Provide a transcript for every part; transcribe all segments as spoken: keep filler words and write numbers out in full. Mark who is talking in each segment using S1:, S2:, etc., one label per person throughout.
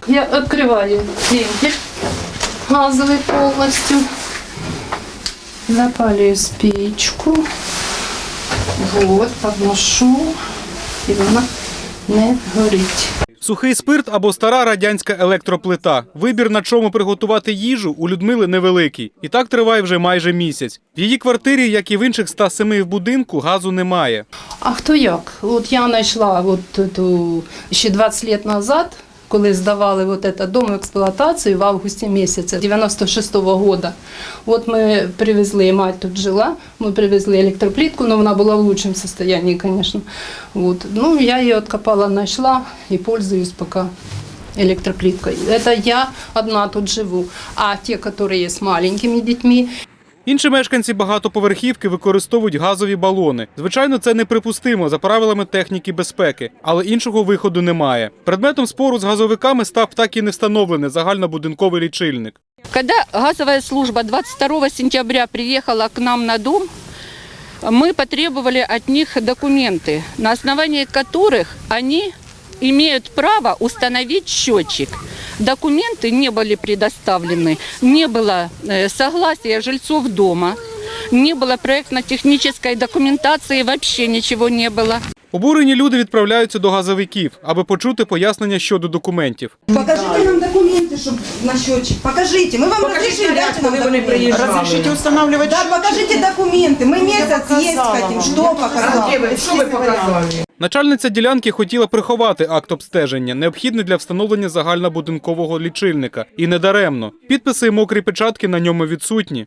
S1: я открываю вентиль газовый полностью, запаливаю спичку, вот, подношу, і вона не горить.
S2: Сухий спирт або стара радянська електроплита. Вибір, на чому приготувати їжу, у Людмили невеликий. І так триває вже майже місяць. В її квартирі, як і в інших ста семи в будинку, газу немає.
S1: А хто як? От я знайшла от, ту, ще двадцять років назад, коли здавали вот этот дом в експлуатацію в августі місяці дев'яносто шостого року. От ми привезли, мать тут жила, ми привезли електроплитку, але вона була в лучшому стані, звісно. От. Ну, я її откопала, знайшла і пользуюсь поки електроплиткою. Це я одна тут живу. А ті, які є з маленькими дітьми,
S2: Інші мешканці багатоповерхівки використовують газові балони. Звичайно, це неприпустимо за правилами техніки безпеки, але іншого виходу немає. Предметом спору з газовиками став так і не встановлений загальнобудинковий лічильник.
S3: Когда газовая служба двадцать второго сентября приехала к нам на дом, мы потребовали от них документы, на основании которых они имеют право установить счетчик. Документы не были предоставлены, не было согласия жильцов дома, не было проектно-технической документации, вообще ничего не было.
S2: Обурені люди відправляються до газовиків, аби почути пояснення щодо документів.
S4: Покажите нам документы, чтобы на счетчик. Покажите. Мы вам разрешили, дайте нам документы.
S5: Разрешите устанавливать
S4: Да,
S5: счетчик?
S4: покажите документы. Мы месяц есть хотим. Что показали?
S5: Что вы показали?
S2: Начальниця ділянки хотіла приховати акт обстеження, необхідний для встановлення загальнобудинкового лічильника. І не даремно. Підписи і мокрі печатки на ньому відсутні.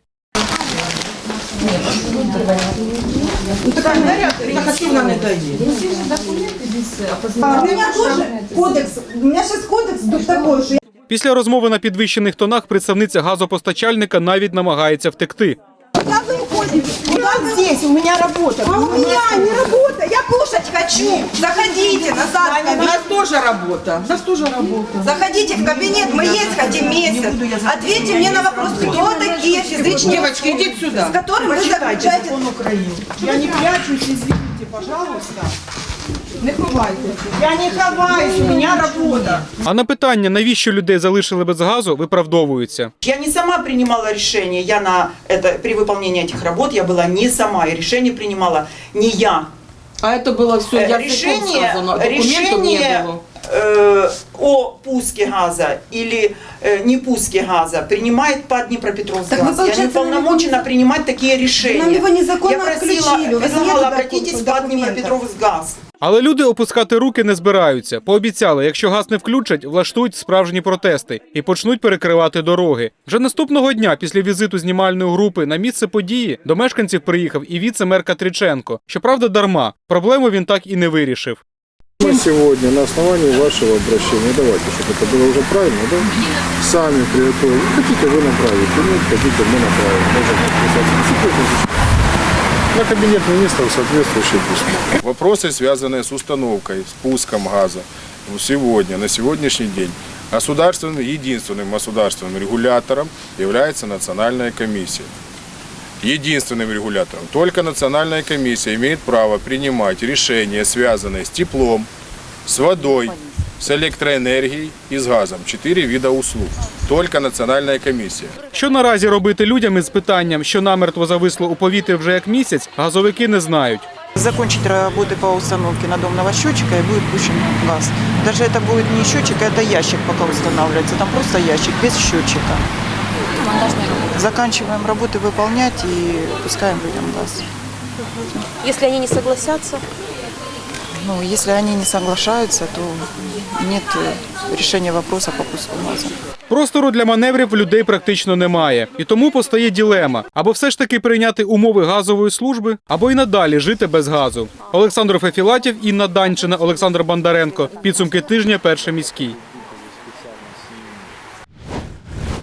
S4: Ну, так активно не дадим. У меня тоже кодекс. У меня сейчас кодекс такой, что...
S2: Після розмови на підвищених тонах представниця газопостачальника навіть намагається втекти.
S4: Куда вы уходите? Куда вы?
S5: Здесь у меня работа.
S4: А у меня не работа. Я кушать хочу. Заходите назад.
S5: У нас тоже работа. У нас тоже работа.
S4: Заходите в кабинет. Мы есть хотим месяц. Ответьте мне на вопрос, кто такие физические
S5: Девочки,
S4: лица,
S5: идите сюда.
S4: с которыми вы
S5: Почитайте
S4: заключаете...
S5: закон Украины. Я не прячусь, извините, пожалуйста. Не ховайтесь. Я не ховаюсь, у меня работа.
S2: А на питання, навіщо людей залишили без газу, виправдовуються.
S5: Я не сама принимала решение, я на это, при выполнении этих работ я была не сама, и решение принимала не я.
S6: А это было все
S5: Э,
S6: языком
S5: решение,
S6: сказано, документов
S5: решение
S6: не было.
S5: э, о пуске газа или э, не пуске газа принимает ПАД Днепропетровск
S4: Так вы,
S5: газ. Я не
S4: получается,
S5: уполномочена
S4: нам
S5: принимать такие решения.
S4: Нам его незаконно
S5: Я просила,
S4: отключили, у вас
S5: предлагала
S4: нету
S5: обратитесь в ПАД
S4: документов.
S5: Днепропетровск газ.
S2: Але люди опускати руки не збираються. Пообіцяли, якщо газ не включать, влаштують справжні протести і почнуть перекривати дороги. Вже наступного дня, після візиту знімальної групи на місце події, до мешканців приїхав і віце-мер Катриченко. Щоправда, дарма. Проблему він так і не вирішив.
S7: Мы сегодня на основании вашего обращения, давайте, чтобы это было уже правильно, да? Сами приготовили. Хотите, вы направите, нет, хотите, мы направим. Можем подписать. На кабинет министров соответствующее письмо.
S8: Вопросы, связанные с установкой, с пуском газа, сегодня, на сегодняшний день, государственным, единственным государственным регулятором является Национальная комиссия. Единственным регулятором. Только Национальная комиссия имеет право принимать решения, связанные с теплом, с водой, с электроэнергией и с газом. Четыре вида услуг. Только Национальная комиссия.
S2: Що наразі робити людям із питанням, що намертво зависло у повітрі вже як місяць, газовики не знають.
S9: Закончить работы по установке надомного счетчика и будет пущен газ. Даже это будет не счетчик, это ящик пока устанавливается. Там просто ящик без счетчика. Заканчиваем работы выполнять и пускаем людям газ.
S10: Если они не согласятся?
S9: Ну, если они не соглашаются, то нет решения вопроса по пуску газа.
S2: Простору для маневрів в людей практично немає. І тому постає дилема. Або все ж таки прийняти умови газової служби, або й надалі жити без газу. Олександр Фефілатів, Інна Данчина, Олександр Бондаренко. Підсумки тижня, Перший міський.